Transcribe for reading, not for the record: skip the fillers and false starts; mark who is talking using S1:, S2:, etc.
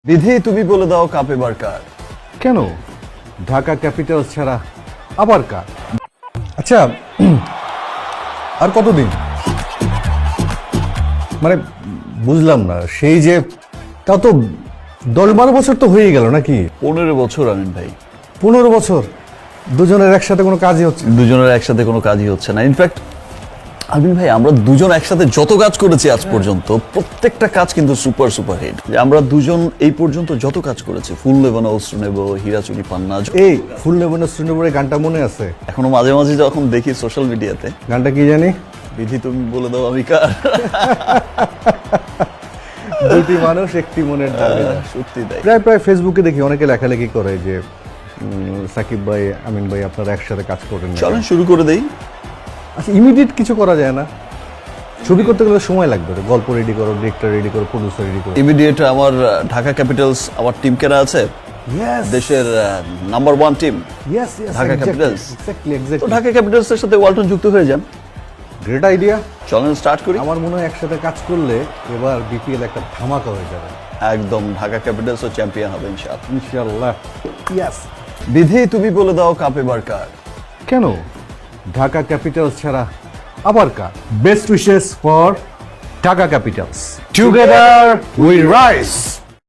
S1: বিধি তুমি বলে দাও কাপ এবার কার?
S2: কেন ঢাকা ক্যাপিটালস ছাড়া আবার কার? আচ্ছা, আর কতদিন? মানে বুঝলাম না, সেই যে তাও তো 10-12 বছর তো হয়ে গেল নাকি?
S1: 15 বছর আমিন ভাই।
S2: 15 বছর দুজনের একসাথে কোনো কাজই হচ্ছে না।
S1: দুজনের একসাথে কোনো কাজই হচ্ছে না। ইনফ্যাক্ট আমিন ভাই, আমরা দুজন একসাথে যত কাজ করেছি আজ পর্যন্ত, প্রত্যেকটা কাজ কিন্তু সুপার সুপার হিট। যে আমরা দুজন এই পর্যন্ত যত কাজ করেছি, ফুল নেব না অস্ত্র নেব, হীরাচুরি পান্না,
S2: এই ফুল নেবনের শ্রীনগরের গানটা মনে আছে?
S1: এখনো মাঝে মাঝে যখন দেখি সোশ্যাল মিডিয়াতে,
S2: গানটা কি জানি?
S1: বিধি তুমি বলে দাও আমি কার।
S2: দুটি মানুষ একটি মনের দাবি।
S1: সত্যি তাই।
S2: প্রায় প্রায় ফেসবুকে দেখি অনেকে লেখালেখি করে যে সাকিব ভাই, আমিন ভাই আপনারা একসাথে কাজ করেন না।
S1: চলেন শুরু করে দেই।
S2: আচ্ছা, ইমিডিয়েট কিছু করা যায় না? ছবি করতে গেলে সময় লাগবে, গল্প রেডি করো, ডিরেক্টর রেডি করো, প্রডিউসার রেডি করো।
S1: ইমিডিয়েট আমার ঢাকা ক্যাপিটালস, আমার টিম কেনা আছে, দেশের নাম্বার 1 টিম ঢাকা ক্যাপিটালস। তো ঢাকা ক্যাপিটালস এর সাথে ওয়ালটন যুক্ত হয়ে যান।
S2: Great idea.
S1: চলেন স্টার্ট করি।
S2: আমার মনে হয় একসাথে কাজ করলে এবার বিপিএল একটা ধামাকা হয়ে যাবে।
S1: একদম ঢাকা ক্যাপিটালস ও চ্যাম্পিয়ন হবে ইনশাআল্লাহ।
S2: ইনশাআল্লাহ। ইয়েস।
S1: বিধি তুমি বলে দাও কাপ এবার কার?
S2: কেন ঢাকা ক্যাপিটালস ছাড়া আবার কার? Best wishes for Dhaka Capitals. Together we rise.